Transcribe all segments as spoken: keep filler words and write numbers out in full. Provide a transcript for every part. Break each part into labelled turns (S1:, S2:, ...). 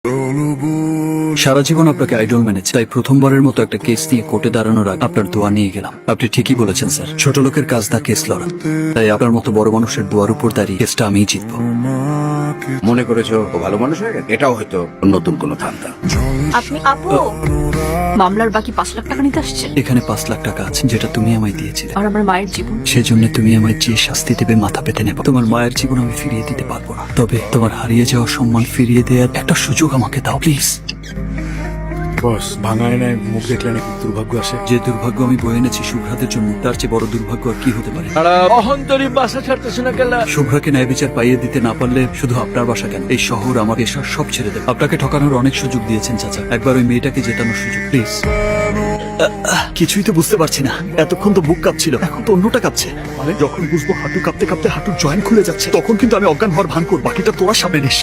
S1: সারা জীবন আপনাকে আইডল মেনেছে, তাই প্রথমবারের মতো একটা কেস নিয়ে কোর্টে দাঁড়ানোর আগে আপনার দোয়া নিয়ে গেলাম। আপনি ঠিকই বলেছেন স্যার, ছোট লোকের কাজ দা কেস লড়া, তাই আপনার মতো বড় মানুষের দোয়ার উপর দাঁড়িয়ে কেসটা আমিই জিতবো।
S2: মনে করেছো ও ভালো মানুষ হয়ে গেছে? এটাও হয়তো নতুন কোনো ধান্দা।
S3: আপনি আপু মামলার বাকি পাঁচ লাখ টাকা নিতে আসছেন।
S1: এখানে পাঁচ লাখ টাকা আছে যেটা তুমি আমায় দিয়েছিলে,
S3: আর আমার মায়ের জীবন।
S1: সেজন্য তুমি আমায় যে শাস্তি দেবে মাথা পেতে নেব। তোমার মায়ের জীবন আমি ফিরিয়ে দিতে পারবো না, তবে তোমার হারিয়ে যাওয়া সম্মান ফিরিয়ে দেওয়ার একটা সুযোগ আমাকে দাও প্লিজ।
S4: বস, ভাঙা আয়নায় মুখ দেখলে নাকি দুর্ভাগ্য আসে।
S1: যে দুর্ভাগ্য আমি বয়ে এনেছি শুভ্রাদের জন্য, তার চেয়ে বড় দুর্ভাগ্য আর কি হতে পারে?
S4: অহন্তরী বাসা ছাড়তেছে না কেলা।
S1: শুভ্রাকে ন্যায় বিচার পাইয়ে দিতে না পারলে শুধু আপনার বাসা কেন, এই শহর আমার এসব সব ছেড়ে দেবে। আপনাকে ঠকানোর অনেক সুযোগ দিয়েছেন চাচা, একবার ওই মেয়েটাকে জেতানোর সুযোগ প্লিজ। কিছুই তো বুঝতে পারছি না, এতক্ষণ তো বুক কাঁপছিল, এখন তো অন্যটা কাঁপছে। মানে যখন বুঝবো হাঁটু কাঁপতে কাঁপতে হাঁটুর জয়েন্ট খুলে যাচ্ছে, তখন কিন্তু আমি অজ্ঞান হওয়ার ভান করব। বাকিটা তোরা সামনে নিস।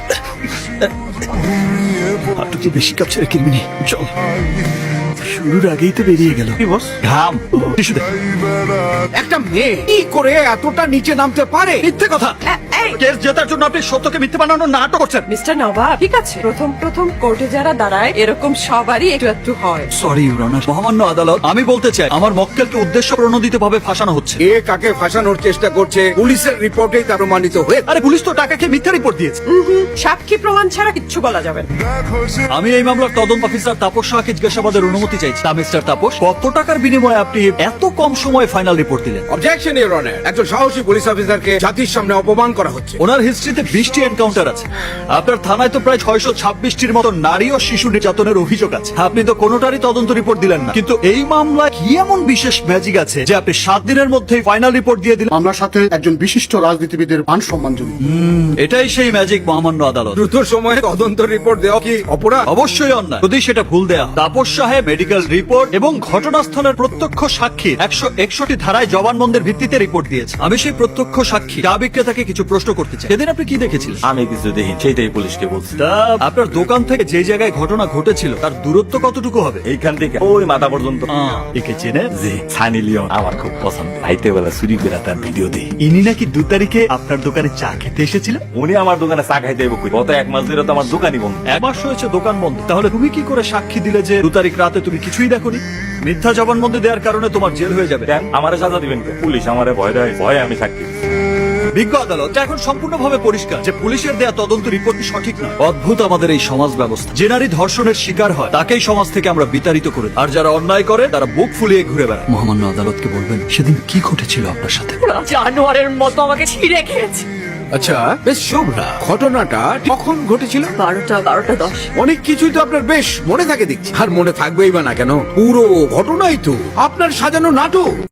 S1: হাঁটু তো বেশি কাঁপছে রে কিরমিনি, চল। শুরুর আগেই তো বেরিয়ে গেল।
S2: কি বস?
S1: ঘাম টিস্যু দে।
S2: একটা মেয়ে কি করে এতটা নিচে নামতে পারে?
S1: মিথ্যে কথা। কেস জেতার জন্য আপনি সত্যকে মিথ্যে বানানোর নাটক করছেন।
S5: মিস্টার নবাব, ঠিক আছে, প্রথম প্রথম কোর্টে যারা দাঁড়ায় এরকম সবারই একটু একটু হয়।
S1: সরি ইউর অনার, মহামান্য আদালত, আমি বলতে চাই আমার মক্কেলকে উদ্দেশ্য প্রণোদিত ভাবে ফাঁসানো হচ্ছে।
S2: কে কাকে ফাঁসানোর চেষ্টা করছে পুলিশের রিপোর্টেই তা প্রমাণিত হয়ে।
S1: আরে পুলিশ তো টাকাকে মিথ্যা রিপোর্ট দিয়েছে।
S5: সাক্ষী প্রমাণ ছাড়া কিচ্ছু বলা যাবে না।
S1: আমি এই মামলার তদন্ত অফিসার তাপস শাহকে জিজ্ঞাসাবাদের অনুমতি চাইছি। তা মিস্টার তাপস, কত টাকার বিনিময়ে আপনি এত কম সময়ে ফাইনাল রিপোর্ট দিলেন?
S2: অবজেকশন ইউর অনার, একজন সাহসী পুলিশ অফিসারকে জাতির সামনে অপমান করা হচ্ছে।
S1: ওনার হিস্ট্রিতে বিশটি এনকাউন্টার আছে, আপনার থানায় তো প্রায় ছয়শো ছাব্বিশটির মতো নারী ও শিশু নির্যাতনের অভিযোগ আছে। আপনি তো কোনোটারই তদন্ত রিপোর্ট দিলেন না, কিন্তু এই মামলায় কি এমন বিশেষ ম্যাজিক আছে যে আপনি সাত দিনের মধ্যেই ফাইনাল রিপোর্ট দিয়ে দিলেন?
S6: মামলার সাথে একজন বিশিষ্ট রাজনীতিবিদের মান সম্মান জড়িত।
S1: এটাই সেই ম্যাজিক মহামান্য আদালত।
S2: দ্রুত সময়ে তদন্ত রিপোর্ট দেওয়া কি অপরাধ?
S1: অবশ্যই অন্যায় যদি সেটা ভুল দেয়া হয়। তাপস সাহেব মেডিকেল রিপোর্ট এবং ঘটনাস্থলের প্রত্যক্ষ সাক্ষী একশো একষট্টি ধারায় জবানবন্দের ভিত্তিতে রিপোর্ট দিয়েছে। আমি সেই প্রত্যক্ষ সাক্ষী চা বিক্রেতাকে কিছু প্রশ্ন করতে চাই। সেদিন আপনি কি দেখেছিলেন?
S7: আমি কিছু দেখি, সেইটাই পুলিশকে বলছি।
S1: তা আপনার দোকান থেকে যে জায়গায় ঘটনা ঘটেছিল তার দূরত্ব কতটুকু হবে?
S7: এইখান থেকে ওই মাথা পর্যন্ত।
S1: আহ, একে চেনে?
S7: জি, সানি লিওন আমার খুব পছন্দ। রাইতে বেলা চুরি করে তার ভিডিও দিই।
S1: ইনি নাকি দু তারিখে আপনার দোকানে চা খেতে এসেছিল?
S7: উনি আমার দোকানে চা খাইতে এবো কই? গত এক মাস ধরে তো আমার দোকানই বন্ধ।
S1: এক মাস হয়েছে দোকান বন্ধ, তাহলে তুমি কি করে সাক্ষী দিলে যে দু তারিখ রাতে তুমি কিছুই দেখোনি? মিথ্যা জবানবন্দি দেওয়ার কারণে তোমার জেল হয়ে যাবে।
S7: কেন আমারে সাজা দিবেন কে? পুলিশ আমারে ভয় দেয়, ভয়ে আমি সাক্ষী দিচ্ছি।
S1: বিজ্ঞ আদালত, এটা এখন সম্পূর্ণভাবে পরিষ্কার যে পুলিশের দেয়া তদন্ত রিপোর্ট সঠিক নয়। অদ্ভুত আমাদের এই সমাজ ব্যবস্থা। যে নারী ধর্ষণের শিকার হয় তাকেই সমাজ থেকে আমরা বিতাড়িত করে দিই, আর যারা অন্যায় করে তারা বুক ফুলিয়ে ঘুরে বেড়ায়। মহামান্য আদালতকে বলবেন সেদিন কি ঘটেছিল আপনার সাথে?
S5: জানোয়ারের মতো আমাকে ছিঁড়ে খেয়েছে।
S2: আচ্ছা বেশ, শুভ্রা, ঘটনাটা কখন ঘটেছিল?
S5: বারোটা বারোটা দশ।
S2: অনেক কিছুই তো আপনার বেশ মনে থাকে দেখছি। আর মনে থাকবেই বা না কেন, পুরো ঘটনাই তো আপনার সাজানো নাটক।